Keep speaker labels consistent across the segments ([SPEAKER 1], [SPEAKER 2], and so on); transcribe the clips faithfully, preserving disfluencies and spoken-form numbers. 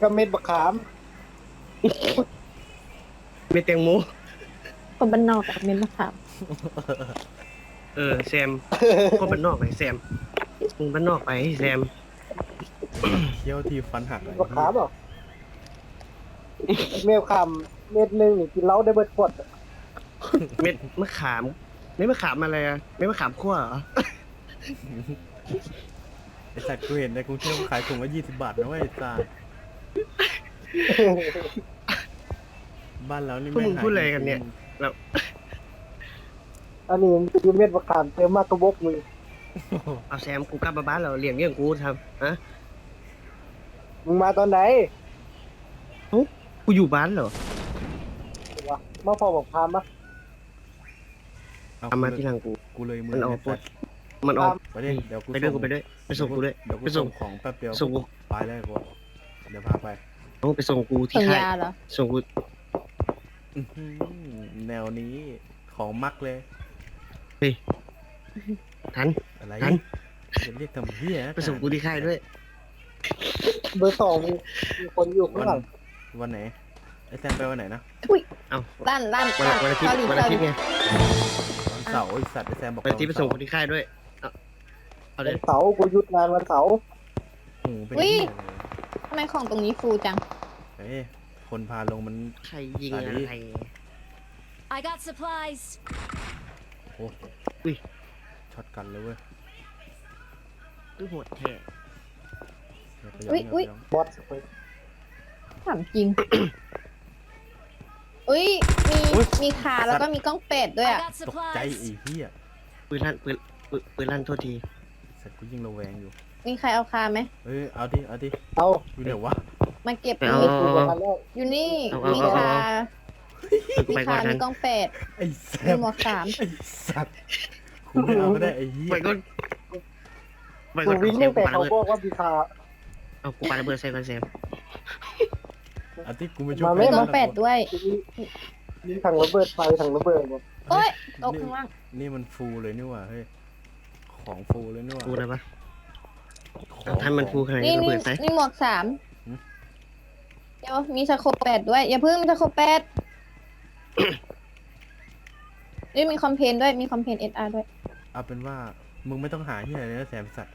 [SPEAKER 1] ก็เม็ดบะขาม
[SPEAKER 2] เม็ดแตงโม
[SPEAKER 3] คนบ้านนอกกับเม็ดมะขาม
[SPEAKER 2] เออแซมคนบ้านนอกไปแซมมึงบ้านนอกไปแซม
[SPEAKER 4] เคี้ยวที่ฟันหักเลย
[SPEAKER 1] บะขามเหรอเม็ดขามเม็ดหนึ่งกินเหล้าได้เบิดขวด
[SPEAKER 2] เม็ดมะขามเม็ดมะขามอะไรอะเม็ดมะขามคั่วเหรอ
[SPEAKER 4] ไอ้สัตว์กูเห็นในกรุงเทพขายถุงละยี่สิบบาทนะเว้ยไอ้สัตว์บ้านเรานี่
[SPEAKER 2] พวก
[SPEAKER 4] ไม่
[SPEAKER 2] มึงพูดอะไรกันเนี่ยแล้ว
[SPEAKER 1] อันนี้คือเม็ดบะขามเติมมากกระบอกมือ
[SPEAKER 2] เอาแซมกูกลับมาบ้านเราเลี้ยงเลี้ยงกูทำฮะ
[SPEAKER 1] มึงมาตอนไหน
[SPEAKER 2] กูอยู่บ้านเหรอ
[SPEAKER 1] วะมาพอบอกพามปะ
[SPEAKER 4] เอา
[SPEAKER 2] ทำมาที่หลังกู
[SPEAKER 4] กูเลยมื
[SPEAKER 2] มันออก
[SPEAKER 4] ไสัตว์
[SPEAKER 2] มันออก
[SPEAKER 4] ไปดิเดี๋ยวกู
[SPEAKER 2] ไปด้วยกูไปด้วยไปส่งกูด้วย
[SPEAKER 4] เดี๋ยวกู
[SPEAKER 2] ไปส่
[SPEAKER 4] ส่
[SPEAKER 2] ง
[SPEAKER 4] งของแป๊บเดียว
[SPEAKER 2] ส่งกู
[SPEAKER 4] ไปเลยกูเดี๋ยวพาไป
[SPEAKER 2] เอาไปส่งกูที่
[SPEAKER 3] ส่ง
[SPEAKER 2] ค่าย
[SPEAKER 3] ยาเหรอ
[SPEAKER 2] ส่งกู
[SPEAKER 4] อื้อหือแนวนี้ของมักเลย
[SPEAKER 2] ทัน
[SPEAKER 4] อะไร
[SPEAKER 2] ทัน
[SPEAKER 4] จะเรียกทำเหี้ยนะ
[SPEAKER 2] ไปส่งกูที่ค่ายด้วย
[SPEAKER 1] เบอร์สองมีมีคนอยู่ข้าง
[SPEAKER 4] วัน
[SPEAKER 1] หลัง
[SPEAKER 4] วันไหนไอ้แซมไปวันไหนนะ
[SPEAKER 2] เอา
[SPEAKER 3] ลั่นลั่น
[SPEAKER 2] วัน
[SPEAKER 3] ลั่น
[SPEAKER 2] วันอาทิตย์
[SPEAKER 3] เกาหลี
[SPEAKER 2] วัน
[SPEAKER 3] เกา
[SPEAKER 2] อา
[SPEAKER 3] ห
[SPEAKER 2] ทิ
[SPEAKER 3] ลี
[SPEAKER 2] ตย์ไง
[SPEAKER 4] วันเสาร์ไอ้สัตว์ไอ้แซมบอก
[SPEAKER 2] วันอาทิตย์ไปส่งกู
[SPEAKER 4] วัน
[SPEAKER 2] ที่ค่ายด้วยเอาเอาเล
[SPEAKER 1] วัน
[SPEAKER 2] ย
[SPEAKER 1] เสาร์กูหยุดงานวันเสาร์
[SPEAKER 4] โอ้โหเป็นเหี้ยเลย
[SPEAKER 3] ทำไมของตรงนี้ฟูจัง
[SPEAKER 4] เฮ้ยคนพาลงมัน
[SPEAKER 2] ใครยิงอะไร
[SPEAKER 5] I got supplies.
[SPEAKER 4] โอ้
[SPEAKER 2] อุ้ย
[SPEAKER 4] ช็อตกันเลยเว้ย
[SPEAKER 2] ตู้โหดแท้
[SPEAKER 4] เดี๋ยวไปย้อน
[SPEAKER 3] อุ๊ย
[SPEAKER 4] เดี๋ยวไปย้อน
[SPEAKER 1] บอสไป
[SPEAKER 3] ถามจริง อุ้ย มี มีคาแล้วก็มีกล้องเป็ดด้วย
[SPEAKER 5] I
[SPEAKER 3] อ่ะ
[SPEAKER 5] got
[SPEAKER 4] ตกใจ
[SPEAKER 5] supplies.
[SPEAKER 4] ไอ้เหี้ย
[SPEAKER 2] ปืนลั่นปืนปืนปืนลั่นโทษที
[SPEAKER 4] สัตว์กูยิงระแวงอยู่
[SPEAKER 3] มีใครเอาคาไหม
[SPEAKER 4] เอ้ยเอาดิเอาดิ
[SPEAKER 1] เอา
[SPEAKER 4] อยู่ไหนวะ
[SPEAKER 3] มาเก็บ
[SPEAKER 2] ไปเอา
[SPEAKER 3] มี
[SPEAKER 1] กูกับมันแล้ว
[SPEAKER 3] อยู่นี่
[SPEAKER 2] เอาเอา
[SPEAKER 3] มี
[SPEAKER 2] เอา
[SPEAKER 3] คา
[SPEAKER 2] กู
[SPEAKER 3] มี
[SPEAKER 2] ไปก่อ
[SPEAKER 3] คาน
[SPEAKER 2] ทั
[SPEAKER 3] มี
[SPEAKER 2] น
[SPEAKER 3] กล้องเป็ด
[SPEAKER 4] ไอ้แซ
[SPEAKER 3] มี
[SPEAKER 4] ม
[SPEAKER 3] หมวกสาม
[SPEAKER 4] ไอ้สัตว์กูไม่เอาก็ได้ไอ้เหี้ย
[SPEAKER 2] ไปก่อนไป
[SPEAKER 1] กู
[SPEAKER 2] ก่อน
[SPEAKER 1] วิ่ง
[SPEAKER 2] แซ
[SPEAKER 1] ตั้
[SPEAKER 2] ม
[SPEAKER 1] ง
[SPEAKER 2] กู
[SPEAKER 1] แต่
[SPEAKER 2] ปาระ
[SPEAKER 1] เขา
[SPEAKER 2] เบิด
[SPEAKER 1] บอกว่ามีคา
[SPEAKER 2] เอากูปาระเบิดใส่ก่อนแซม
[SPEAKER 4] อาทิตย์กูไม่ช่วย
[SPEAKER 1] มาไหม
[SPEAKER 3] มี
[SPEAKER 4] ใคร
[SPEAKER 3] กล้องเป็ดด้วย
[SPEAKER 1] มีถังระเบิดไฟถังระเบิดหมด
[SPEAKER 3] โอ๊ยตกข้างล่าง
[SPEAKER 4] นี่มันฟูลเลยนี่หว่าเฮ้ยของฟูลเลยนี่หว่า
[SPEAKER 2] กูนะปะ
[SPEAKER 4] ของ
[SPEAKER 2] เอาท่านมันฟูขนาด
[SPEAKER 3] นี่
[SPEAKER 2] นี้ระ
[SPEAKER 3] นี่
[SPEAKER 2] เบิดใส่
[SPEAKER 3] นี่หมวกสามเดี๋ยวมีสโคปแปดด้วย อย่าเพิ่งมีสโคปแปดนี่มีคอมเพนด้วย มีคอมเพนเอสอาร์ด้วย
[SPEAKER 4] เอาเป็นว่ามึงไม่ต้องหาที่ไหนเลยนะแซมสัตว์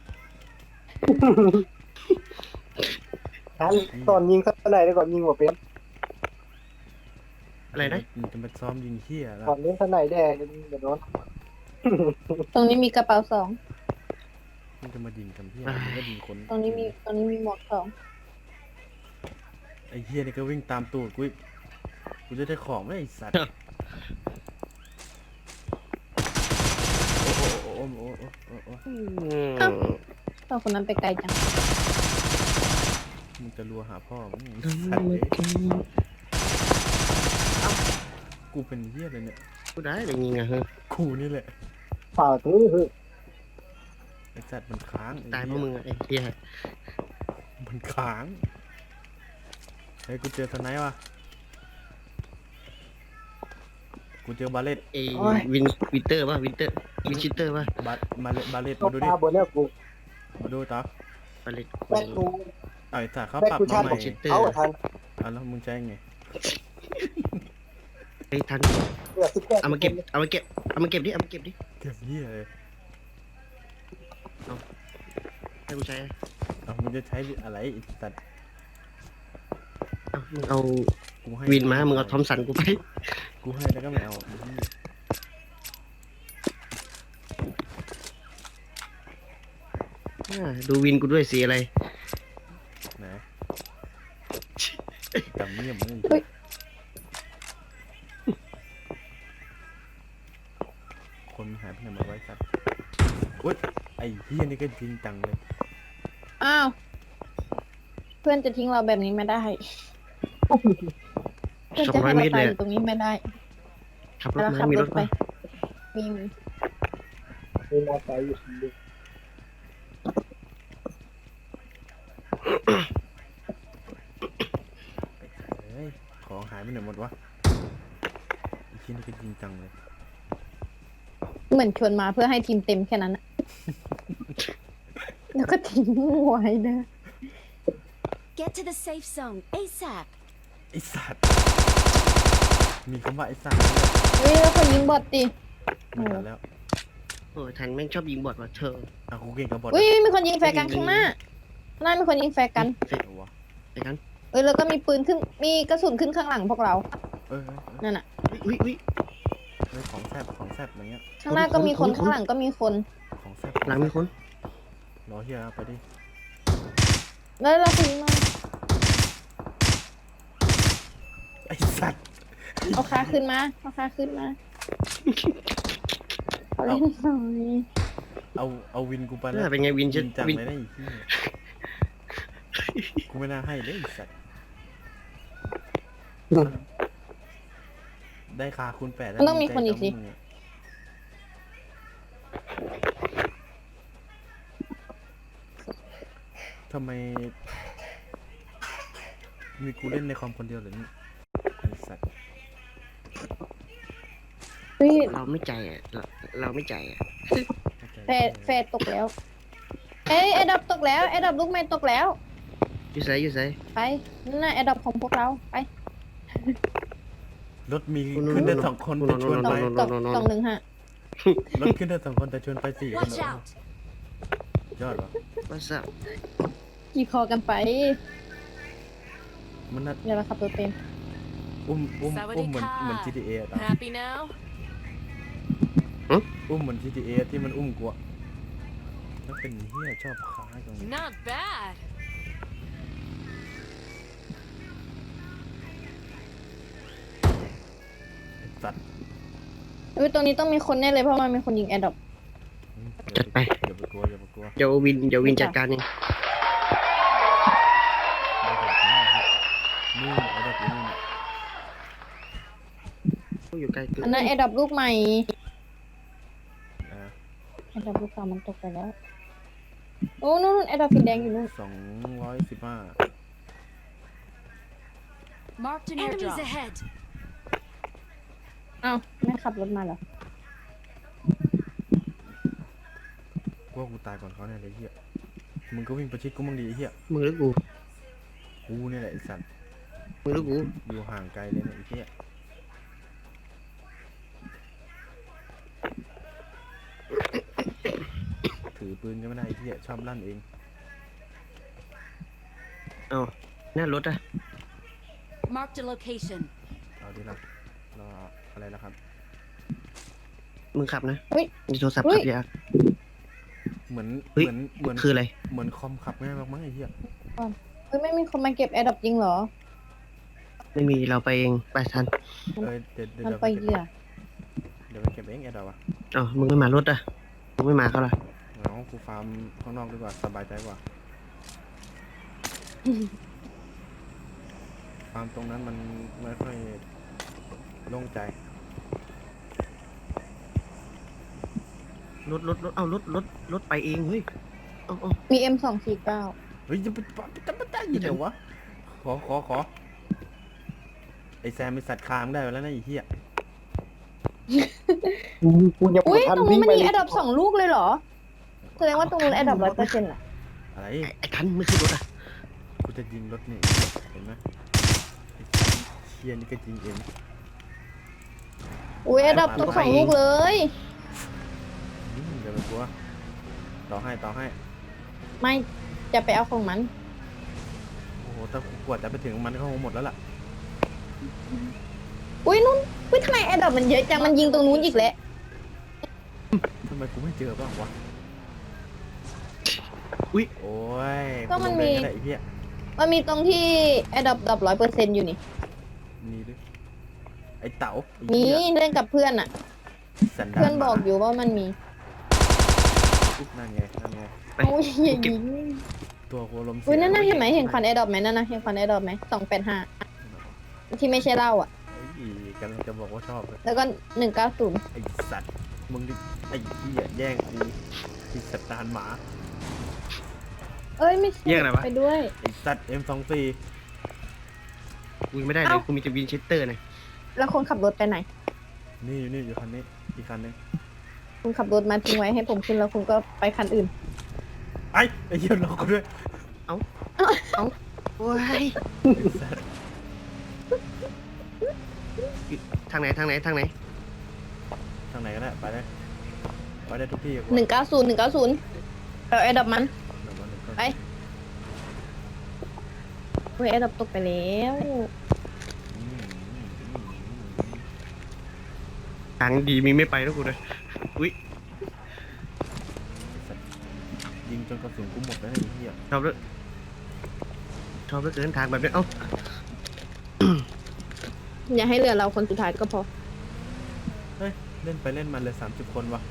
[SPEAKER 1] ทันตอนยิงข้างในได้ก่อนยิงหัวเป็น
[SPEAKER 2] อะไรนะ
[SPEAKER 4] มึงจะมาซ้อมยิงเหี้ยแล้ว
[SPEAKER 1] ก่อนเล่นข้างในแดงเดี๋ยวโดน
[SPEAKER 3] ตรงนี้มีกระเป๋าสอง
[SPEAKER 4] มึงจะมายิงทำเหี้ยมึงก็ยิงคน
[SPEAKER 3] ตรงนี้มี ตรงนี้มีหมวกสอง
[SPEAKER 4] ไอ้เหี้ยนี่ก็วิ่งตามตูดกูอีกกูจะได้ของไหมไอ้สัตว์โอ้โหโอ้โหโอ้โหโอ้โหโอ้โห
[SPEAKER 2] อืม
[SPEAKER 3] ตอนคนนั้นไปไกลจัง
[SPEAKER 4] มึงจะรัวหาพ่อมึงสัตว์เลยกูเป็นเหี้ยเลยเนี่ย
[SPEAKER 2] กูได้แต่ยิงอะเฮ้ย
[SPEAKER 4] กูนี่แหละ
[SPEAKER 1] เปล่าถือคือ
[SPEAKER 4] ไอ้สัตว์มันค้างไอ้
[SPEAKER 2] ตายเพราะ
[SPEAKER 4] เหี้
[SPEAKER 2] มึงอะไอ้เหี้ย
[SPEAKER 4] มันค้างเฮ้ยกูเจอสไนป์ว่ะกูเจอบาเลต
[SPEAKER 2] ไอ้วินวินเตอร์ป่ะวินเตอร์วินชิเตอร์ป่ะ
[SPEAKER 4] บาบาเลตบาเลต
[SPEAKER 1] ต้อ
[SPEAKER 4] มาง ดูดิ
[SPEAKER 1] ตาบนแล้วกู
[SPEAKER 4] มาดูต่อ
[SPEAKER 2] ปาเลต
[SPEAKER 1] แบ็คกู
[SPEAKER 4] เอาไอ้สัตว์เขา
[SPEAKER 1] แบ็ค
[SPEAKER 4] ปรับ
[SPEAKER 1] กู
[SPEAKER 4] มา
[SPEAKER 1] ชัน
[SPEAKER 4] ใหม่
[SPEAKER 1] เอาทัน
[SPEAKER 4] อ่ะแล้วมึงใช้ไง
[SPEAKER 2] ไอ้ทัน
[SPEAKER 1] เหลือสิบแปด
[SPEAKER 2] เอามาเก็บเอามาเก็บเอามาเก็บดิเอามาเก็บดิ
[SPEAKER 4] เก็บเหี้ยเลย
[SPEAKER 2] ให้กูใช้
[SPEAKER 4] เอามึงจะใช้อะไรไอ้สัตว์
[SPEAKER 2] เอามึงเอา
[SPEAKER 4] กูให้
[SPEAKER 2] วินมามึงเอาทอมสันกูไป
[SPEAKER 4] กูให้แล้วก็ไม่เอาไอ้เหี้ย
[SPEAKER 2] อ่าดูวินกูด้วยสีอะไร
[SPEAKER 4] ไหนจำเนียมมึง
[SPEAKER 3] เฮ้ย
[SPEAKER 4] คนมันหายไปไหนหมาไว้สัตว์อุ้ยไอ้เหี้ยนี่ก็จริงจังเลย
[SPEAKER 3] อ้าว เพื่อนจะทิ้งเราแบบนี้ไม่ได้ เพื่อน
[SPEAKER 2] สอง
[SPEAKER 3] จะ
[SPEAKER 2] ร้อ
[SPEAKER 3] ให้
[SPEAKER 2] ยเม
[SPEAKER 3] เรา
[SPEAKER 2] ตร
[SPEAKER 3] ตา
[SPEAKER 2] เลย ย
[SPEAKER 3] อยู่ตรงนี้ไม่ได้
[SPEAKER 2] ขับรถ
[SPEAKER 3] เรา
[SPEAKER 2] มา
[SPEAKER 3] ขับ
[SPEAKER 2] มี
[SPEAKER 3] ร
[SPEAKER 2] ร
[SPEAKER 3] ถ
[SPEAKER 2] ถ
[SPEAKER 3] ไป
[SPEAKER 2] มา
[SPEAKER 3] มีมี
[SPEAKER 1] มีมอไซค์อยู่คนเดียว
[SPEAKER 4] เฮ้ยของหายไปไหนหมดวะไอ้เหี้ยนี่ก็จริงจังเลย
[SPEAKER 3] เหมือนชวนมาเพื่อให้ทีมเต็มแค่นั้นอะ แล้วก็ทิ้งไว้นะ
[SPEAKER 5] Get to the safe zone ASAP.
[SPEAKER 4] ไอ้สัตว์มีคำว่าไอ้สัตว์ด้วย
[SPEAKER 3] เฮ้ยแล้วคนยิงบอทดิ
[SPEAKER 4] ไม่ทันแล้ว
[SPEAKER 2] โอ้ยทันแม่งชอบยิงบอดว่ะเธอ
[SPEAKER 4] อ่ะกูเก่งกับบอท
[SPEAKER 3] อุ้ยมีคนยิงแฟร์กันข้างหน้าข้างหน้ามีคนยิงแฟร์กัน
[SPEAKER 2] เสร็จ
[SPEAKER 4] เอาวะ
[SPEAKER 2] ไปกัน
[SPEAKER 3] เอ้ยแล้วก็มีปืนขึ้นมีกระสุนขึ้นข้างหลังพวกเรา
[SPEAKER 4] เอ้ยเอ้ยเอ้ย
[SPEAKER 3] นั่นน่ะ
[SPEAKER 2] อุ้ยอุ้ย
[SPEAKER 4] เอ้ยของแซบของแซบอะไรเงี้ย
[SPEAKER 3] ข้างหน้าก็มีคน
[SPEAKER 2] คน
[SPEAKER 3] ข้างหลังก็มีคน
[SPEAKER 4] ของแซบ
[SPEAKER 2] หลังมีคน
[SPEAKER 4] รอเฮียไปดิ
[SPEAKER 3] แล้วเราคุยมา
[SPEAKER 4] ไอ้สัตว์
[SPEAKER 3] เอาขาขึ้นมาเอาขาขึ้นมาเอาเล่นหน่อย
[SPEAKER 4] เอาเอาวินกูไปแล้
[SPEAKER 2] น่าว เป็นไงวิน
[SPEAKER 4] จริ
[SPEAKER 2] จะ
[SPEAKER 4] งจัง
[SPEAKER 2] วิน
[SPEAKER 4] เลยนะไอ้เหี้ยกูไม่น่าให้เลยไอ้สัตว์ได้คาคูณแปดแล้ว
[SPEAKER 3] มันต้องมีคนอีกสิ
[SPEAKER 4] ใจกับมึงะทำไมมีกูเล่นในคอมคนเดียวเหรอเนี่ยไอ้สัตว์
[SPEAKER 3] เฮ้ย
[SPEAKER 2] เราไม่ใจอ่ะเราเราไม่ใจอ่ะ
[SPEAKER 3] แฟร์แฟร์ตกแล้วเอ้ยแอดดับตกแล้วแอดดับลูกไม่ตกแล้ว
[SPEAKER 2] อยู่ไสอยู่ไส
[SPEAKER 3] ไปนั่นน่ะแอดดับของพวกเราไป
[SPEAKER 4] รถมีขึ้นได้สองคนแต่ชวน
[SPEAKER 3] สอ
[SPEAKER 4] ไป
[SPEAKER 3] งสองสองหนึ่งห้าร
[SPEAKER 4] ถขึ้นได้สองคนแต่ชวนไปสี่คน
[SPEAKER 5] Watch
[SPEAKER 4] เหรอ
[SPEAKER 5] out.
[SPEAKER 4] ยอดวะ
[SPEAKER 2] ว่าสับ
[SPEAKER 3] ขี่คอกันไป
[SPEAKER 4] มันน่า
[SPEAKER 3] เดี๋ยวเราขับรถเป็น
[SPEAKER 4] อุ้มอุ้ม
[SPEAKER 5] สวัสดี
[SPEAKER 4] อุ้มเหมือน
[SPEAKER 5] ค่ะ
[SPEAKER 4] เหมือน จี ที เอ อะตาม
[SPEAKER 5] Happy now?
[SPEAKER 4] อุ้มเหมือน จี ที เอ ที่มันอุ้มกูอะแล้วเป็นเฮียชอบค้าจังเลย
[SPEAKER 5] Not bad.
[SPEAKER 4] ไอ้สัตว์
[SPEAKER 3] เฮ้ยตรงนี้ต้องมีคนแน่เลยเพราะมันมีคนยิงแอดดับ
[SPEAKER 4] อืม
[SPEAKER 2] จัดไป
[SPEAKER 4] อย่าไปกลัวอย่าไปกลัว
[SPEAKER 2] เดี๋ยววินเดี๋ยววินจัดการเอง
[SPEAKER 4] นี่ไอ้เด็กนี่เนี่ย
[SPEAKER 2] อยู่ไกลเกิน
[SPEAKER 3] อันนั้นแอดดับลูกใหม่
[SPEAKER 4] อ่า
[SPEAKER 3] แอดดับลูกเก่ามันตกไปแล้วโอ้นู่นแอดดับสีแดงอยู่นู่น
[SPEAKER 4] สองร้อยสิบห้า
[SPEAKER 5] Marked an Enemies airdrop. ahead.
[SPEAKER 3] อ้าวแม่ขับรถมาเหรอ
[SPEAKER 4] กูว่ากูตายก่อนเขาแน่เลยเฮียมึงก็วิ่งประชิดกูมั่งดีไอ้เฮีย
[SPEAKER 2] มึงหรือกู
[SPEAKER 4] กูเนี่ยแหละไอ้สัตว์
[SPEAKER 2] มึงหรือกู
[SPEAKER 4] อยู่ห่างไกลเลยเนี่ยไอ้เฮียถือปืนก็ไม่ได้ไอ้เฮียชอบลั่นเอง
[SPEAKER 2] เอ้าหน้ารถอ่ะ
[SPEAKER 5] Marked a location.
[SPEAKER 4] เอาดีละรออะไรแล้วครับ
[SPEAKER 2] มึงขับนะ
[SPEAKER 3] เฮ้ย
[SPEAKER 2] มีโทรศัพท์
[SPEAKER 3] เฮ้
[SPEAKER 2] ขั
[SPEAKER 3] ย
[SPEAKER 2] บยาก
[SPEAKER 4] เหมือน
[SPEAKER 2] เฮ้ย
[SPEAKER 4] เหมือนเหมือน
[SPEAKER 2] คืออะไร
[SPEAKER 4] เหมือนคอมขับง่ายมากมั้งไอ้เหี้ย
[SPEAKER 3] เฮ้ยไม่มีคนมาเก็บแอดดับจริงเหรอ
[SPEAKER 2] ไม่มีเราไปเองไปทัน
[SPEAKER 4] เอ้ยเดี๋ยวเดี๋ยว
[SPEAKER 3] มัน
[SPEAKER 4] เดี๋ยว
[SPEAKER 3] ไป
[SPEAKER 4] ไป
[SPEAKER 3] เห
[SPEAKER 4] เก็บ
[SPEAKER 3] ยื่อ
[SPEAKER 4] เดี๋ยวไปเก็บเองไอ้ดอกวะ
[SPEAKER 2] เอ้ามึงไม่มารถอ่ะมึงไม่มาเขาล่ะ
[SPEAKER 4] เอากูฟาร์มข้างนอกดีกว่าสบายใจกว่า ฟาร์มตรงนั้นมันไม่ค่อยโล่งใจ
[SPEAKER 2] รถรถรถเอ้ารถรถรถไปเองเฮ้ยเอ้าเอ้า
[SPEAKER 3] มี เอ็ม สองสี่เก้า
[SPEAKER 4] เฮ้ยจะไปปะจะไปได้ยังไงวะ ขอขอขอไอแซมมีสัตว์คามได้แล้วนะไอ้เหี้ย
[SPEAKER 1] กูกูยัง
[SPEAKER 3] อุ้ย
[SPEAKER 1] ไม่ทัน
[SPEAKER 3] ตรง
[SPEAKER 1] วิ่
[SPEAKER 3] นี้
[SPEAKER 1] ง
[SPEAKER 3] มัน
[SPEAKER 1] ไป
[SPEAKER 3] มี
[SPEAKER 1] เล
[SPEAKER 3] แอย ดดับสองลูกเลยเหรอ แสดงว่าตรงนู้นแอดดับร้อยเปอร์เซ็นต์อ่ะ
[SPEAKER 4] อะไร
[SPEAKER 2] ไอ้ไอ้ทันไม่ขึ้นรถอ่ะ
[SPEAKER 4] กูจะยิงรถนี่เห็นไหมไอ้เชี่ยนี่ก็ยิงเอง
[SPEAKER 3] อุ้ยแอดดับตกสองลูกเลย
[SPEAKER 4] อืมเดี๋ยวไปกลัวต่อให้ต่อให้
[SPEAKER 3] ไม่จะไปเอาของมัน
[SPEAKER 4] โอ้โหถ้ากูกว่าจะไปถึงมันก็คงหมดแล้วล่ะ
[SPEAKER 3] อุ้ยนู่นอุ้ยทำไมแอดดับมันเยอะจังมันยิงตรงนู้นอีกแล้ว
[SPEAKER 4] ทำไมกูไม่เจอบ้างวะ
[SPEAKER 2] อุ้ย
[SPEAKER 4] โอ้ย
[SPEAKER 3] ก็มันมี
[SPEAKER 4] กูลงแดงก็ได้ไอ้เหี้ย
[SPEAKER 3] มันมีตรงที่แอดดับดับร้อยเปอร์เซ็นต์อยู่นี่
[SPEAKER 4] มีด้วยไอ้เต๋าไอ้
[SPEAKER 3] มี
[SPEAKER 4] เหี้ย
[SPEAKER 3] เล่นกับเพื่อนอ่ะ
[SPEAKER 4] สันดาน
[SPEAKER 3] เพื่อนบอก
[SPEAKER 4] หมา
[SPEAKER 3] อยู่ว่ามันมี
[SPEAKER 4] นั่นไงนั่นไง
[SPEAKER 2] ไป
[SPEAKER 3] โอ้ยอย่ายิง
[SPEAKER 4] ตัวโคลมเสี
[SPEAKER 3] อุ้ยนั่นน่ะเห็นไหมเห็นควันแอดดับไหมนั่นน่ะเห็นควันแอดดับไหมสองแปดห้าที่ไม่ใช่เหล้าอ่ะ
[SPEAKER 4] ไอ้กำลังจะบอกว่าชอบเลย
[SPEAKER 3] แล้วก็หนึ่งเก้าศูนย์
[SPEAKER 4] ไอ้สัตว์มึงดิไอ้เหี้ยแย่งกูไอ้สัตว์ดานหมา
[SPEAKER 3] เอ้ยไม่ใช่
[SPEAKER 2] แยกอะไรวะ
[SPEAKER 3] ไปด้วย
[SPEAKER 4] ไอ้สัตว์ เอ็ม สองสี่
[SPEAKER 2] กูยังไม่ได้เลยกูมีแต่วินเชสเตอร์นะ
[SPEAKER 3] แล้วคนขับรถไปไหน
[SPEAKER 4] นี่อยู่นี่อยู่คันนี้อีกคันนึง
[SPEAKER 3] คุณขับรถมาทิ้งไว้ให้ผมขึ้นแล้วคุณก็ไปคันอื่น
[SPEAKER 4] ไอ้ไอ้เหี้ยรอกูด้วย
[SPEAKER 2] เอ้าโอ้ยทางไหนทางไหนทางไหน
[SPEAKER 4] ทางไหนก็ได้ไปได้ไปได้ทุกที่กู
[SPEAKER 3] หนึ่งเก้าศูนย์หนึ่งเก้าศูนย์เอาแอร์ดับมัน
[SPEAKER 4] หนึ่งวันหนึ่งก็
[SPEAKER 3] ไป เฮ้ยแอร์ดับตกไปแล้ว
[SPEAKER 4] อืมอืมอืม
[SPEAKER 2] ทางดีมีไม่ไปแล้วกูเลยอุ้ย
[SPEAKER 4] ไอ้สัตว์ยิงจนกระสุนกูหมดแล้วไอ้เหี้ย
[SPEAKER 2] ชอบด้วยชอบด้วยเกินทางแบบนี้เอ้า
[SPEAKER 3] อย่าให้เหลือเราคนสุดท้ายก็พอ
[SPEAKER 4] เฮ้ยเล่นไปเล่นมาเลยสามสิบคนวะ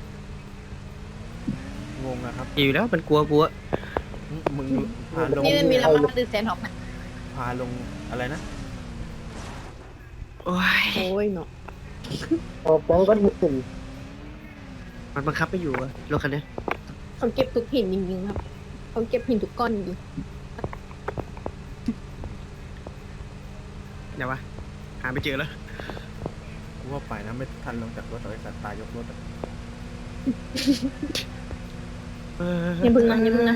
[SPEAKER 4] งงอะครับ
[SPEAKER 2] อยู่แล้วมันกลัวกลัว
[SPEAKER 4] มึงพาลง
[SPEAKER 3] นี่มันมีละมาดือแซนท็อกนะ
[SPEAKER 4] พาลงอะไรนะ
[SPEAKER 2] โอ้ย
[SPEAKER 3] โอ้ยเนาะ
[SPEAKER 1] ออกแบงก็หนึ่ง
[SPEAKER 2] มันบังคับไม่อยู่อะรถคันนี้
[SPEAKER 3] เขาเก็บทุกหินจริงๆครับเขาเก็บหินทุกก้อนจริง
[SPEAKER 2] เดี๋ยววะหาไม่เจอแล้ว
[SPEAKER 4] กูว่าไปนะไม่ทันลงจากรถต่อไอ้สัตว์ตายยกรถอะ
[SPEAKER 3] อย่าพึ่งนะอย่าพึ่งนะ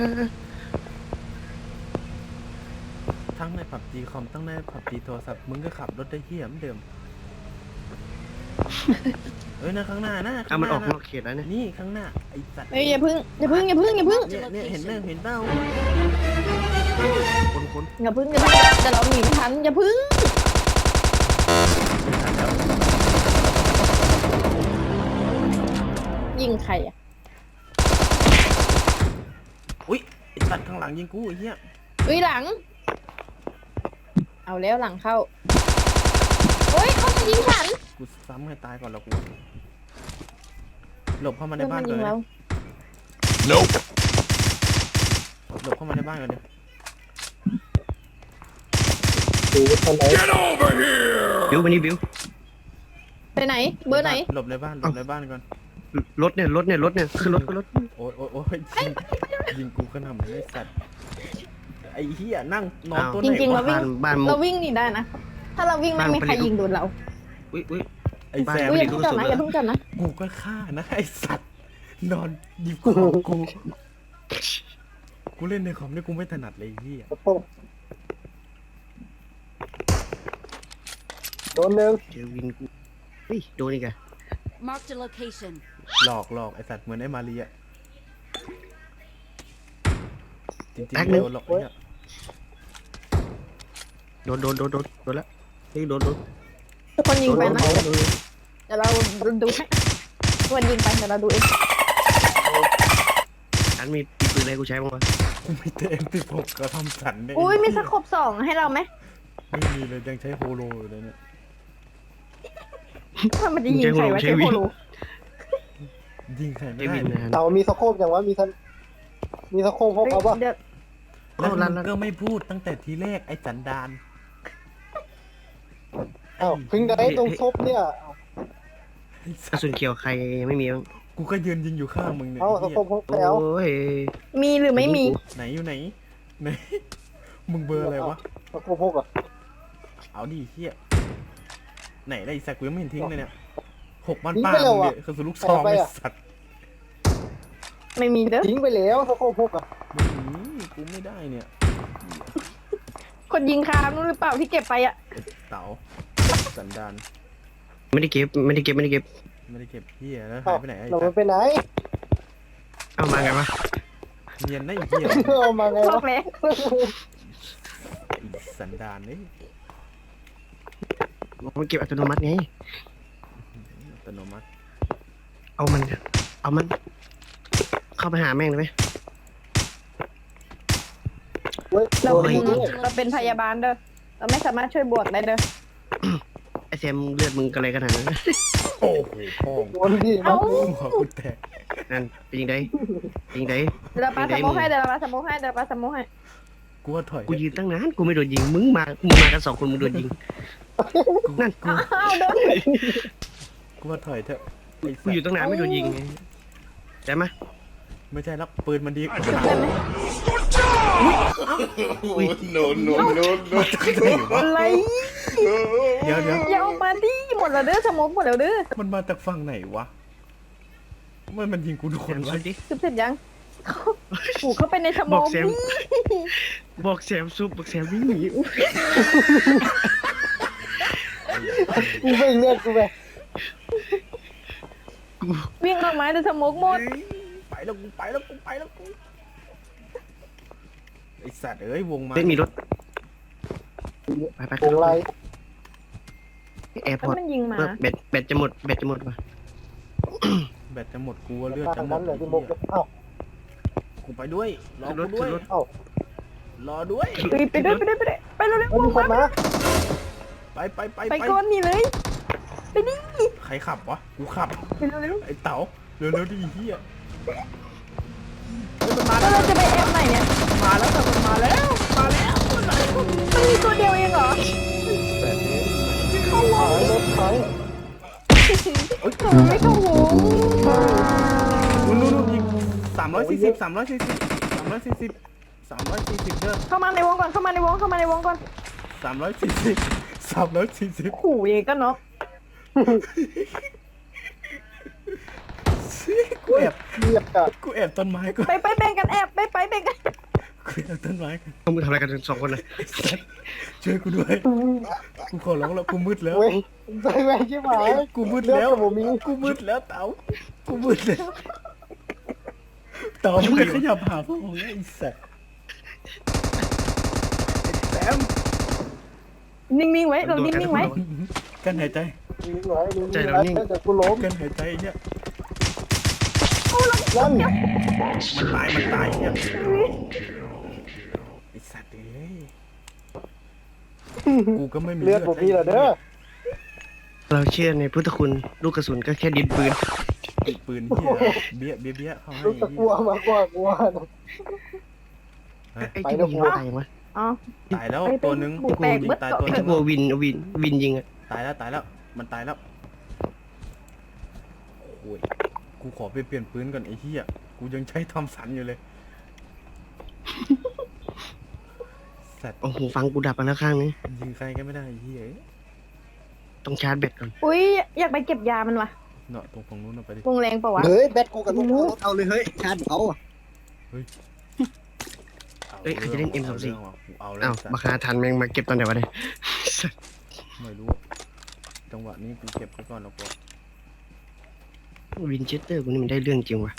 [SPEAKER 4] ทั้งในผับจีคอมทั้งในผับจีโทรศัพท์มึงก็ขับรถได้เหี้ยเหมือนเดิม เอ้ยนะข้างหน้านะ
[SPEAKER 2] เอามันออกน
[SPEAKER 4] ข้าง
[SPEAKER 2] อกเขตแล้วเนี่ย
[SPEAKER 4] นี่ข้างหน้าไอ้สัตว์
[SPEAKER 3] เฮ้ยอย่าพึ่งอย่าพึ่งอย่าพึ่งอย่าพึ่ง
[SPEAKER 4] เนี่ยเนี่ยเห็นไหมเห็นเต้า
[SPEAKER 2] คนคน
[SPEAKER 3] อย่าพึ่งอย่าพึ่งแต่เราหนีไม่ทันอย่าพึ่งยิงใครอ่ะ
[SPEAKER 4] อุ้ยไอ้สัตว์ข้างหลังยิงกูไอ้เหี้ย
[SPEAKER 3] อุ้ยหลัง เอาแล้วหลังเข้าโอ้ยเขาจะยิงฉัน
[SPEAKER 4] กูซ้ำให้ตายก่อนแล้วกูหลบเข้ามาใน
[SPEAKER 3] เพื่อน
[SPEAKER 4] บ้า
[SPEAKER 3] มัน น
[SPEAKER 4] ก่
[SPEAKER 3] ยิ
[SPEAKER 4] อน
[SPEAKER 3] ง
[SPEAKER 4] เล
[SPEAKER 3] เรา
[SPEAKER 4] ยหลบเข้ามาในบ้านก่อนเลย
[SPEAKER 1] ดูตอนไหน
[SPEAKER 2] บิวมานี่บิว
[SPEAKER 3] ไปไหน เบอร์ไหน
[SPEAKER 4] หลบในบ้านหลบในบ้านก่อน
[SPEAKER 2] รถเนี่ยรถเนี่ยรถเนี่ยคือรถคือรถ
[SPEAKER 4] โอ้ยโอ้ยโอ้ยยิงยิงกูขนาดนี้ไอ้สัตว์ไอ้เหี้ยนั่งนอนตัวไห
[SPEAKER 3] จ
[SPEAKER 4] น
[SPEAKER 3] ริงๆเรา
[SPEAKER 4] วะ
[SPEAKER 3] วิ่ง
[SPEAKER 2] บ้านมุ
[SPEAKER 3] เรา
[SPEAKER 2] ก
[SPEAKER 3] วิ่งหนีได้นะ ถ้าเราวิ่งไม่มีใครยิงโดนเรา
[SPEAKER 2] อุ้ยอุ้ย
[SPEAKER 4] ไอ้
[SPEAKER 2] บ้าน
[SPEAKER 4] แซม
[SPEAKER 3] อุ้ยอ
[SPEAKER 2] ไม่
[SPEAKER 3] ย่า
[SPEAKER 2] ได้
[SPEAKER 3] เพิ่งจับนะอย่าเพิ่งจับนะ
[SPEAKER 4] กูก็ฆ่านะไอ้สัตว์นอนหยิบของกูกูเล่นในคอมนี่กูไม่ถนัดเลยไอ้เหี้ย
[SPEAKER 1] โอ้โหโดนหนึ่ง
[SPEAKER 2] เจอวินกูเฮ้ยโดนอีกอะ
[SPEAKER 5] Marked a location.
[SPEAKER 4] หลอกหลอกไอ้สัตว์เหมือนไอ้มารีอะจริงๆโดนหลอกไอ้เหี้ย
[SPEAKER 2] โดนโดนโดนโดนโดนแล้วเฮ้ยโดนโดน
[SPEAKER 3] ทุกคนยิงไปนะ
[SPEAKER 2] โดนโดน
[SPEAKER 3] เดี๋ยวเราดูให้ทุกคนยิงไปเดี๋ยวเราดูเอง
[SPEAKER 2] อันมีปืนอะไรกูใช้บ้างวะ
[SPEAKER 4] กูไม่เต็มที่ผมก็ทำสันเนี่ย
[SPEAKER 3] อุ้ยมีสโคบสองให้เราไหม
[SPEAKER 4] ไม่มีเลยยังใช้โฮโลอยู่เลยเนี่ย
[SPEAKER 3] ถ้ามันจะยิงใครวะใช้โคโล
[SPEAKER 4] ยิงใครไม่
[SPEAKER 2] ใช้
[SPEAKER 4] ได้
[SPEAKER 2] วิน
[SPEAKER 4] เลย
[SPEAKER 2] นะ
[SPEAKER 1] เต่ามีสโคปอย่างวะมีทันมีสโคปพกเอาปะ
[SPEAKER 3] เดี๋ยว
[SPEAKER 4] แล้ว
[SPEAKER 2] เอาลั่น
[SPEAKER 4] มึ
[SPEAKER 2] ลั่
[SPEAKER 4] ง
[SPEAKER 2] น
[SPEAKER 4] ก็ไม่พูดตั้งแต่ทีแรกไอ้สันดาน
[SPEAKER 1] อ้าวพึ่งได้ตรงซบเนี่ย
[SPEAKER 4] ไอ้
[SPEAKER 2] ก
[SPEAKER 4] สั
[SPEAKER 2] ระ
[SPEAKER 4] ส
[SPEAKER 2] สุนเขียวใครยังไม่มีบ้าง
[SPEAKER 4] กูก็ยืนยิงอยู่ข้างมึงเนี่ย
[SPEAKER 1] เอ้าส
[SPEAKER 4] ไอ้
[SPEAKER 1] โค
[SPEAKER 4] เหี้ย
[SPEAKER 1] ปพกแล้ว
[SPEAKER 2] โอ้ย
[SPEAKER 3] มีหรือไม่มี
[SPEAKER 4] ไหนอยู่ไหนไหนมึงเบอร์อะไรวะ
[SPEAKER 1] สโคปพกอ่ะ
[SPEAKER 4] เอาดิเฮียไหนได้อีสักกูยังไม่เห็นทิ้งเลยเนี่ยหกบ้านป้ามึงเนี่ยคือสุลูกซองไอ้สัตว์
[SPEAKER 3] ไม่มีเด้อ
[SPEAKER 1] ทิ้งไปแล้วสโคปพกอ่ะ
[SPEAKER 4] ไม่มีกูไม่ได้เนี่ย
[SPEAKER 3] คนยิงคามนู้นหรือเปล่าที่เก็บไปอ่ะ
[SPEAKER 4] ไอ้เต๋าสันดาน
[SPEAKER 2] ไม่ได้เก็บไม่ได้เก็บไม่ได้เก็บ
[SPEAKER 4] ไม่ได้เก็บเฮียแล้ว
[SPEAKER 1] เอ้า
[SPEAKER 4] หายไปไหนไอ้
[SPEAKER 1] เรา
[SPEAKER 4] สัตว์
[SPEAKER 1] ไปไหน
[SPEAKER 2] เอามาไงวะ
[SPEAKER 4] เนียนได้เฮีย
[SPEAKER 1] เอามาไง
[SPEAKER 3] บอ
[SPEAKER 1] วะ
[SPEAKER 3] กแล้ว
[SPEAKER 4] ไอ้สันดานนี่
[SPEAKER 2] มันเก็บอัตโนมัติไง
[SPEAKER 4] อัตโนมัติ
[SPEAKER 2] เอามันเอามัน เข้าไปหาแม่งเลยไหม
[SPEAKER 1] เว้ย
[SPEAKER 3] เรา
[SPEAKER 1] โดน
[SPEAKER 3] เป็น
[SPEAKER 1] ยิงด้วย
[SPEAKER 3] เราเป็นพยาบาลเด้อเราไม่สามารถช่วยบวกได้เด้อ
[SPEAKER 2] ไอแซมเลือดมึงกันอะไรขนาดนั้น
[SPEAKER 4] โอ้โหพ่อง
[SPEAKER 1] โดนยิง
[SPEAKER 3] เอ้า
[SPEAKER 4] หัวกูแตก
[SPEAKER 2] นั่นเป็นยังไงเป็นยังไง
[SPEAKER 3] เดี๋ยวเราปาสโมกให้เดี๋ยวเราปาสโมกให้เดี๋ยวเราปาสโมกให้
[SPEAKER 4] กูว่าถอย
[SPEAKER 2] กูยืนตั้งนานกูไม่โดนยิงมึงมามึงมากันสองคนมึงโดนยิงนั่นกู
[SPEAKER 3] อ้าวเด้อ
[SPEAKER 4] กูว่าถอยเถอะไอ้
[SPEAKER 2] กู
[SPEAKER 4] สัต
[SPEAKER 2] อยู่
[SPEAKER 4] ว์
[SPEAKER 2] ตั้งนานไม่โดนยิงไงใช่ไหม
[SPEAKER 4] ไม่ใช่แล้วปืนมันดีกว่า
[SPEAKER 3] ได้ไหม
[SPEAKER 2] อุ้ย
[SPEAKER 6] no, no, no, no.
[SPEAKER 3] อะไร
[SPEAKER 4] เดี๋ยวเดี๋ยว
[SPEAKER 3] อย่าออกมาดิหมดแล้วเด้อสโมกหมดแล้วเด้อ
[SPEAKER 4] มันมาจากฝั่งไหนวะมันมันยิงกูทุกคน
[SPEAKER 2] แซ
[SPEAKER 4] วะ
[SPEAKER 2] มดิ
[SPEAKER 3] คือเสร็จยังผูกเข้าไปในสม
[SPEAKER 2] บอ
[SPEAKER 3] อก ง
[SPEAKER 2] แซมบอกแซมซุปบอกแซมวิ่งหนี
[SPEAKER 1] กูไม่เลือกกูไป
[SPEAKER 3] วิ่งออกมาแต่สมองหมด
[SPEAKER 4] ไปแล้วกูไปแล้วกูไปแล้วกูไอสัตว์เอ้ยวงมา
[SPEAKER 2] ไม่มีรถไปไป
[SPEAKER 1] วงไร
[SPEAKER 2] แอร์พ
[SPEAKER 3] แล้ว
[SPEAKER 2] อร์ต
[SPEAKER 3] มันยิงมา
[SPEAKER 2] แบตแบตจะหมดแบตจะหมดว่ะ
[SPEAKER 4] แบตจะหมดกูว่าเลือด
[SPEAKER 1] ทา
[SPEAKER 4] จะ
[SPEAKER 1] ง
[SPEAKER 4] หม
[SPEAKER 1] นั้
[SPEAKER 4] ด
[SPEAKER 1] นเลยที่มุกเอ้า
[SPEAKER 4] กูไปด้วยรอ
[SPEAKER 2] ขึ้นร
[SPEAKER 4] กู
[SPEAKER 2] ถ
[SPEAKER 4] ด้ว
[SPEAKER 2] ขึ้
[SPEAKER 4] ย
[SPEAKER 2] นรถ
[SPEAKER 1] เอ้าร
[SPEAKER 4] อด้วย
[SPEAKER 3] ไปไปด้วยไปด้วยไปด้วยไปเร็ว
[SPEAKER 1] เฮ้ยมีคนมา
[SPEAKER 4] ไปไปไป
[SPEAKER 3] ๆไปก่อนนี่เลย ไปดิ
[SPEAKER 4] ใครขับวะกูขับ
[SPEAKER 3] ไปเร็ว
[SPEAKER 4] ไอ้เต๋าเร็วๆดิเฮียเฮ้ยมันมา
[SPEAKER 3] ๆ
[SPEAKER 4] แล้
[SPEAKER 3] แล้ว วเราจะไปแอบไหนเนี่ย
[SPEAKER 4] มาแล้วแต่มันมาแล้วมาแล้วมันมาแล้ว
[SPEAKER 3] มันมีตัวเดียวเองเหรอ
[SPEAKER 1] แบบนี้ถอยรถถอย
[SPEAKER 3] ทำไมไม่เข้าวง
[SPEAKER 4] นู่นนู่นนู่นยิงสามร้อยสี่สิบสามร้อยสี่สิบสามร้อยสี่สิบสามร้อยสี่สิบเด้อ
[SPEAKER 3] เข้ามาในวงก่อนเข้ามาในวงเข้ามาในวงก่อน
[SPEAKER 4] สามร้อยสี่สิบสามร้อยสี่สิบ
[SPEAKER 3] ขู่เองก็เนาะ
[SPEAKER 4] กูแอบ
[SPEAKER 1] เรียบกับ
[SPEAKER 4] กูแอบต้นไม้กู
[SPEAKER 3] ไปไปแบ่งกันแอบไปไปแบ่งกัน
[SPEAKER 4] กูแอบต้นไม้กู
[SPEAKER 2] ต้องมึงทำอะไรกันสองคนเลย
[SPEAKER 4] ช่วยกูด้วยกูขอร้องแล้วกูมืดแล้ว
[SPEAKER 1] เว้ยใจแม่งชิบหาย
[SPEAKER 4] กูมืด
[SPEAKER 1] เลือด
[SPEAKER 4] แล้ว
[SPEAKER 1] กับผมมี
[SPEAKER 4] กูมืดแล้วเต๋ากูมืดแล้วเต๋าไม่ขยับหาพ่อของไอ้สัสไอ้แต้ม
[SPEAKER 3] นิ่งๆไว้เรานิ่งๆไว้
[SPEAKER 4] กันหายใจ
[SPEAKER 1] นิ่งไว้นิ่งไว้แต่กูล้ม
[SPEAKER 4] กันหายใจเนี่ย
[SPEAKER 1] นั่น
[SPEAKER 4] มันตายมันตายเนี่ยไอ้สัตว์เอ้ยกูก็ไม่มี
[SPEAKER 1] เลือดผมมีเหรอเด้อ
[SPEAKER 2] เราเชื่อในพุทธคุณลูกกระสุนก็แค่ดินปืน
[SPEAKER 4] ติดปืนเหี้ยเบี้ยเบี้ยเบี้ยเขาให้
[SPEAKER 1] รู้สึกกลัวมากกว่ากลัว
[SPEAKER 2] ไอ้ที่มันยิงตายวะ
[SPEAKER 3] อ๋อ
[SPEAKER 4] ตายแล้วตัวนึง
[SPEAKER 3] บุกแตก
[SPEAKER 4] ยิ
[SPEAKER 3] เบิ
[SPEAKER 4] ง
[SPEAKER 3] ด
[SPEAKER 4] ตาย
[SPEAKER 3] เกาะ
[SPEAKER 4] ตัวนึ
[SPEAKER 2] ถ้าง กลัววินวินวินยิงอะ
[SPEAKER 4] ตายแล้วตายแล้วมันตายแล้วโอ้ยกูขอไปเปลี่ยนปืนก่อนไอ้เหี้ยกูยังใช้ทอมสันอยู่เลยสัตว์
[SPEAKER 2] โอ้โหฟังกูดับไปแล้วข้างนึง
[SPEAKER 4] ยิงใครก็ไม่ได้ไอ้เหี้ย
[SPEAKER 2] ต้องชาร์จแบตก่อน
[SPEAKER 3] อุ้ยอยากไปเก็บยามันว่ะ
[SPEAKER 4] เนาะตรงฝั่งนู้นเอาไปดิ
[SPEAKER 3] วงแรงเปล่าวะ
[SPEAKER 1] เฮ้ยแบตกูกับลูกเอาเลยเฮ้ยชาร์จเขาอ่ะ
[SPEAKER 2] เอ้ยใครจะเล่น เอ็ม สอง สี่
[SPEAKER 4] เอาแล้ว
[SPEAKER 2] อ้าว
[SPEAKER 4] สัต
[SPEAKER 2] มา
[SPEAKER 4] ว์
[SPEAKER 2] คาทันแม่งมาเก็บตอนไหนวะเนี่ย
[SPEAKER 4] ไม่รู้จังหวะนี้กูเก็บไปก่อนแล้วก็
[SPEAKER 2] วินเชสเตอร์กูนี่มันได้เรื่องจริงว่ะ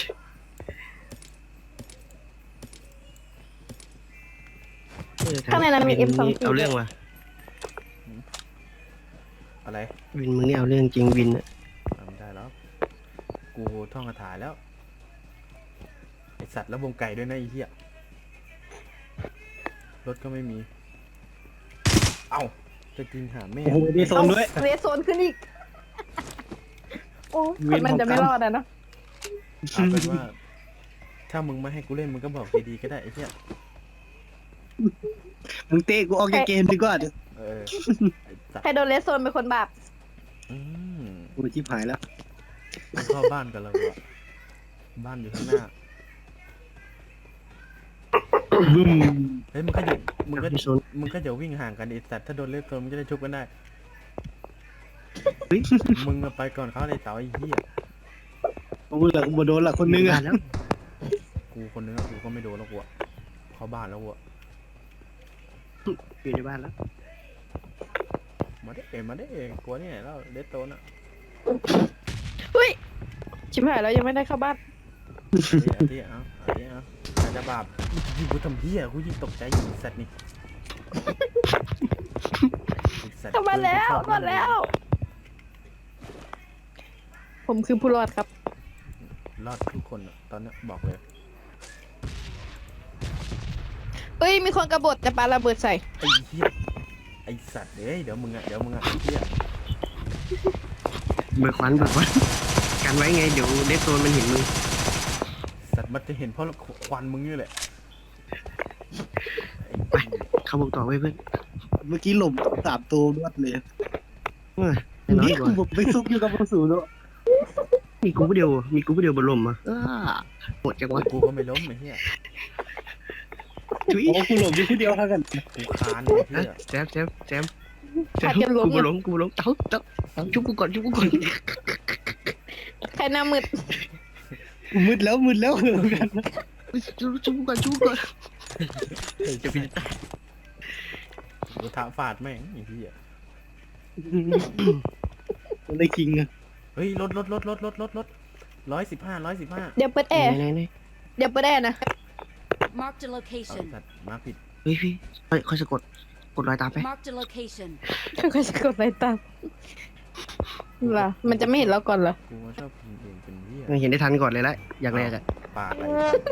[SPEAKER 2] เออ
[SPEAKER 3] ข้างในนั้นมี
[SPEAKER 2] วิ
[SPEAKER 3] เอ็มสอง
[SPEAKER 2] นี่
[SPEAKER 3] สี่
[SPEAKER 2] เอาเรื่องว่ะ
[SPEAKER 4] อะไร
[SPEAKER 2] วินมึงนี่เอาเรื่องจริงวินอะ
[SPEAKER 4] ทำได้แล้ว กูท่องคาถาแล้วไอสัตว์แล้ววงไก่ด้วยนะไอ้เหี้ยรถก็ไม่มี เอ้าจะกินหาแม่
[SPEAKER 1] โอ้โหดีโซนด้วย
[SPEAKER 3] เรสโซนขึ้นอีก โอ้คนมันจะไม่รอดอะเนาะ
[SPEAKER 4] เอาเป็นว่า ถ้ามึงไม่ให้กูเล่นมึงก็บอกดีๆก็ได้ไอ้เหี้ย
[SPEAKER 6] มึงเตะกูออกจากเกมดีกว่า
[SPEAKER 4] เออไอ้สัต
[SPEAKER 3] ใคร
[SPEAKER 4] ว์
[SPEAKER 3] โดนเรสโซนเป็นคนบาป
[SPEAKER 4] อืม
[SPEAKER 6] กูชิบหายแล้ว
[SPEAKER 4] มึงเข้าบ้านกันแล้วอะบ้านอยู่ข้างหน้า
[SPEAKER 6] บึ้ม
[SPEAKER 4] เฮ้ยมึงก็อย่ามึงก็
[SPEAKER 2] พี่โซน
[SPEAKER 4] มึงก็อย่าวิ่งห่างกันไอ้สัตว์ถ้าโดนเล่นโซนมึงจะได้ชุบกันได้
[SPEAKER 2] เฮ้ย
[SPEAKER 4] มึงอะไปก่อนเขาเลยเต๋าไอ้เหี้ย
[SPEAKER 6] กูเหลือกูบ่โดนละคนนึงอ่ะ
[SPEAKER 2] แล้ว
[SPEAKER 4] กูคนนึงอะกูก็ไม่โดนแล้วกูอะเข้าบ้านแล้วกูอะ
[SPEAKER 2] อยู่ในบ้านแล้ว
[SPEAKER 4] มาได้เองมาได้เองกลัวนี่ไหนแล้วเดสโตนอะ
[SPEAKER 3] เฮ้ย ชิบหายแล้วยังไม่ได้เข้าบ้าน
[SPEAKER 4] เอาที่เอาเอาที่เอาอาจจะบาปยิงกูทำเหี้ยกูยิงตกใจอยู่ไอ้สัตว์นี่ไอ้สัตว์
[SPEAKER 3] เข้าบ้านแล้วรอดแล้ว ผมคือผู้รอดครับ
[SPEAKER 4] รอดทุกคนอะตอนเนี้ยบอกเลย
[SPEAKER 3] เอ้ย มีคนกระบฏจะปาระเบิดใส่
[SPEAKER 4] ไอ้เหี้ยไอ้สัตว์เอ้ยเดี๋ยวมึงอะเดี๋ยวมึงอะไอ้เหี้ย
[SPEAKER 2] เบิกควันเบิกควันกันไว้ไงเดี๋ยวเดสโซนมันเห็นมึง
[SPEAKER 4] สัตว์มันจะเห็นเพราะควันมึงนี่แหละ
[SPEAKER 2] ไปเข้าบุกต่อไว้เพื่อน
[SPEAKER 6] เมื่อกี้หลบสามตัวรวดเลย
[SPEAKER 2] เออแน่นอน
[SPEAKER 6] นี่
[SPEAKER 2] ก
[SPEAKER 6] กู
[SPEAKER 2] ว่า
[SPEAKER 6] บอกไปซุกอยู่กับผู้สูงเนาะ
[SPEAKER 2] มีกูผู้เดียวมีกูผู้เดียวบนลมอ่ะอ้าหมดจังวะ
[SPEAKER 4] กูก็ไม่ล้มไอ้เหี้ย
[SPEAKER 2] จุ๊ย
[SPEAKER 6] โอ้กูหลบอยู่คนเดียวเท่ากัน
[SPEAKER 4] กูคานไอ้เหี้
[SPEAKER 2] ฮะ
[SPEAKER 4] ย
[SPEAKER 2] แซมแซมแซมแซ
[SPEAKER 3] ขาด
[SPEAKER 2] ม
[SPEAKER 3] กันล้ม
[SPEAKER 2] กูบ่หลงกูบ่หลงเต้าเต้าเต้าชุบกูก่อนชุบกูก่อน
[SPEAKER 3] ใครหน้ามืด
[SPEAKER 6] มืดแล้วมืดแล้วเหมือนกัน
[SPEAKER 2] ชูชูก่อนชูก่อนจะพิจาร
[SPEAKER 4] กระทะฟาดแม่งไอ้เหี้ย
[SPEAKER 6] มันได้คิงอะ
[SPEAKER 4] เฮ้ยรถรถรถรถรถรถรถร้อยสิบห้าร้อยสิบห้า
[SPEAKER 3] เดี๋ยวเปิดแอร์
[SPEAKER 2] ไหนไหน
[SPEAKER 3] เดี๋ยวเปิดแอร์นะ
[SPEAKER 5] Marked a
[SPEAKER 4] เอา
[SPEAKER 5] location.
[SPEAKER 4] สัตว์มาผิด
[SPEAKER 2] เฮ้ยพี่เฮ้ยค่อยสะกดกดรอยตามไป
[SPEAKER 5] Marked a location.
[SPEAKER 3] ก็จะกดไปตามเหรอมันจะไม่เห็นเราก่อนเหรอ
[SPEAKER 4] กูมาชอบกินเองเป็นเหี้ย
[SPEAKER 2] ไม่เห็นได้ทันก่อนเลยละอย่างแรกอะ
[SPEAKER 4] ปากอะไร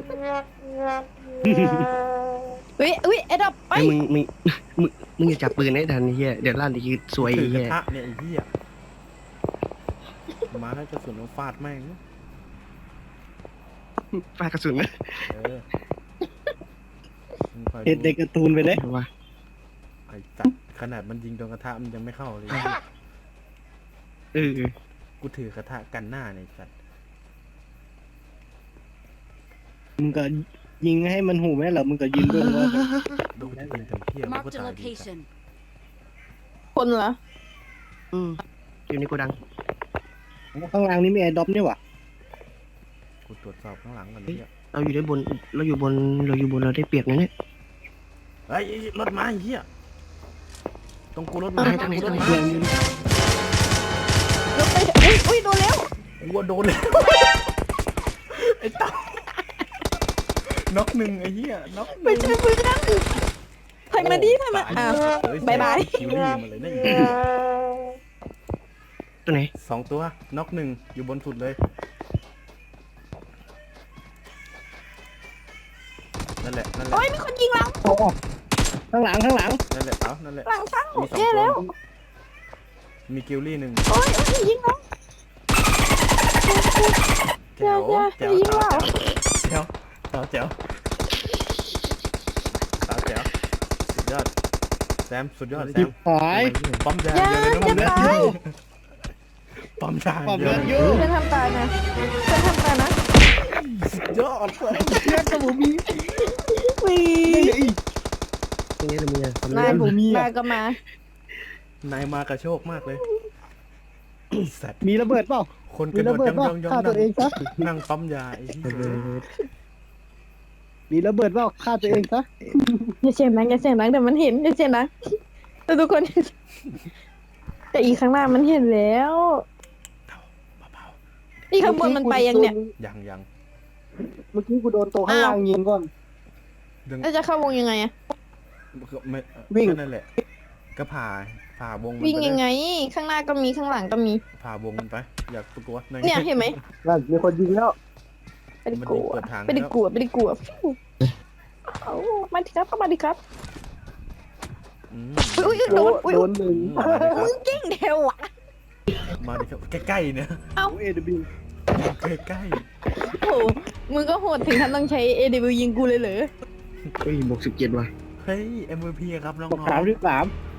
[SPEAKER 3] เฮ้ยอุ้ยไอ้ดอกไป
[SPEAKER 2] ไอ้มึงมึงมึงมึงอย่าจับปืนให้ทันไอ้เฮียเดี๋ยวลั่นอีกทีสวย
[SPEAKER 4] ถื
[SPEAKER 2] ไอ้
[SPEAKER 4] อกระ
[SPEAKER 2] เฮีย
[SPEAKER 4] ทะเนี่ยไอ้เหี้ยมาแล้วกระสุนเอาฟาดแม่ง
[SPEAKER 2] ปากกระสุนนะ
[SPEAKER 4] เออมึงคอย
[SPEAKER 6] เห็ด
[SPEAKER 4] ดู
[SPEAKER 6] ในการ์ตูนไปเลย
[SPEAKER 2] ว่า
[SPEAKER 4] ไอ้สัตว์ขนาดมันยิงโดนกระทะมันยังไม่เข้าเลย
[SPEAKER 2] เออ
[SPEAKER 4] กูถือกระทะกันหน้าเนี่ยไอ้สัตว์
[SPEAKER 6] มึงก็ยิงให้มันหูแม่เหรอมึงก็ยิงด้วยว่า
[SPEAKER 4] โดนยิงทำเพี้ยมันก็
[SPEAKER 5] Marked a
[SPEAKER 4] ตายดีสัตว์
[SPEAKER 5] location.
[SPEAKER 3] คนเหรอ
[SPEAKER 2] อืมอยู่ในโกดัง
[SPEAKER 6] ข้างล่างนี่มีแอร์ดรอปนี่หว่า
[SPEAKER 4] กูตรวจสอบข้างหลังก่อนเนี่ย
[SPEAKER 2] เราอยู่ด้านบนเราอยู่บนเราอยู่บนเราได้เปรียบนะเนี่ย
[SPEAKER 4] เฮ้ยรถมาไอ้เหี้ยตรงกูรถมา
[SPEAKER 2] อะไร
[SPEAKER 4] ตรงกูรถ
[SPEAKER 2] อะไร
[SPEAKER 4] มา
[SPEAKER 6] เรื่องนี้
[SPEAKER 3] รถไปอุ้ยอุ้ยโดนแล้ว
[SPEAKER 4] กูว่าโดนเลยไอ้ตาน็อกหนึ่งไอ้เหี้ยน็อกห
[SPEAKER 3] ไม่
[SPEAKER 4] นึ่ง
[SPEAKER 3] ใช่ปืนนั่นถอยมาดิถอยมา
[SPEAKER 4] ต
[SPEAKER 3] อ้าว
[SPEAKER 4] เฮ้
[SPEAKER 3] บายบาย
[SPEAKER 4] คิวรี่มาเลยนะไอ้เหี้ย
[SPEAKER 2] ตัวไหน
[SPEAKER 4] สองตัวน็อกหนึ่งอยู่บนสุดเลยนั่นแหละนั่นแหละ
[SPEAKER 3] โอ้ยมีคนยิงเรา
[SPEAKER 6] โอ้ข้างหลังข้างหลัง
[SPEAKER 4] นั่นแหละเอานั่นแหละ
[SPEAKER 3] หลังช่าง
[SPEAKER 4] มีสอง
[SPEAKER 3] แย่
[SPEAKER 4] ตัว
[SPEAKER 3] แล้ว
[SPEAKER 4] มีกิลลี่หนึ่ง
[SPEAKER 3] โอ้ยโอ้ยยิงเรา
[SPEAKER 4] แจ๋ว
[SPEAKER 3] อย่าอย่า
[SPEAKER 4] แจ๋ว
[SPEAKER 3] อย่ายิงเรา
[SPEAKER 4] แจ๋วแจ๋วแจ๋วแจ๋วแจ๋วสุดยอดแซมสุดยอดแซ
[SPEAKER 6] จิ
[SPEAKER 4] ม
[SPEAKER 6] บหาย
[SPEAKER 4] ปั๊มยา
[SPEAKER 3] อย่า
[SPEAKER 4] เดียวเลยนะ
[SPEAKER 3] อย่า
[SPEAKER 4] มึง
[SPEAKER 3] ตาย
[SPEAKER 4] ปั๊มยา
[SPEAKER 6] ปั๊ม
[SPEAKER 4] เดีย
[SPEAKER 6] เลื
[SPEAKER 4] ว
[SPEAKER 6] อด
[SPEAKER 4] เลย
[SPEAKER 6] อยู่
[SPEAKER 3] เพื่อนทำตายนะเพื่อนทำตายนะ
[SPEAKER 4] สุดยอดเลย
[SPEAKER 6] เลือดกับผมมี
[SPEAKER 3] วี
[SPEAKER 2] ตรงนี้เรามีอะไรความ
[SPEAKER 3] นาย
[SPEAKER 2] รู้
[SPEAKER 6] ผมมีอะ
[SPEAKER 3] นายก็มา
[SPEAKER 4] นายมากระโชกมากเลยสัตว์
[SPEAKER 6] มีระเบิดเปล่า
[SPEAKER 4] คนก
[SPEAKER 6] มี
[SPEAKER 4] ระโด
[SPEAKER 6] ระ
[SPEAKER 4] ด
[SPEAKER 6] เบิด
[SPEAKER 4] ย่อง
[SPEAKER 6] เปล่า
[SPEAKER 4] ย่องย่อง
[SPEAKER 6] ฆ่าตัวเองซะ
[SPEAKER 4] นั่งปั๊มยาไอ้ที่
[SPEAKER 2] เออ
[SPEAKER 6] มีระเบิดเปล่าฆ่าตัวเองซะ
[SPEAKER 3] อย่าเสียงดังอย่าเสียงดังเดี๋ยวมันเห็นอย่าเสียงดังแต่ทุกคน แต่อีกข้างหน้ามันเห็นแล้ว
[SPEAKER 4] เบา
[SPEAKER 3] อีกข้างบนมันไปยังเนี่ย
[SPEAKER 4] ๆยังยัง
[SPEAKER 6] เมื่อกี้กูโดนตัวข้างล่างยิงก่อน
[SPEAKER 4] ดึง
[SPEAKER 3] แล้วจะเข้าวงยังไงอะ
[SPEAKER 4] ไม่
[SPEAKER 6] วิ่ง
[SPEAKER 4] ก็นั่นแหละ ก็ผ่าผ่าวงมัน
[SPEAKER 3] วิ่ง
[SPEAKER 4] ไป
[SPEAKER 3] ยัง
[SPEAKER 4] เลย
[SPEAKER 3] ไง ข้างหน้าก็มีข้างหลังก็มี
[SPEAKER 4] ผ่าวงมันไป อยากประกวดหน่อย
[SPEAKER 3] เนี่ยเห็นไหม
[SPEAKER 6] นั่นมีคนยิงแล้ว
[SPEAKER 3] ไม่ได้
[SPEAKER 4] มัน
[SPEAKER 3] กลั
[SPEAKER 4] ยิง
[SPEAKER 3] ว
[SPEAKER 4] เปิดทาง
[SPEAKER 3] ไม่ได้
[SPEAKER 4] แล้ว
[SPEAKER 3] กลัวไม่ได้กลัวเอามาดิครับเข้ามาดิครับ
[SPEAKER 4] อืม
[SPEAKER 3] อุ้ยอุ้ยโดนอุ้ย
[SPEAKER 6] โดนหนึ่ง
[SPEAKER 4] อืมมาดิค
[SPEAKER 3] มึ
[SPEAKER 4] รับ
[SPEAKER 3] งเก่งเทวะ
[SPEAKER 4] มาดิครับใกล้ๆเนี่ย
[SPEAKER 6] เอดบิว
[SPEAKER 4] ใกล้
[SPEAKER 3] โอ้โหมึงก็โหดถึงขั้นต้องใช้ เอ ดี บิ ยิงกูเลยเหรอ
[SPEAKER 2] เฮ้ยบวกสิบเจ็ดว่ะ
[SPEAKER 4] ๆเฮ้ย เอ็ม วี พี ครับน้อง
[SPEAKER 6] สามที่สาม
[SPEAKER 4] ๆ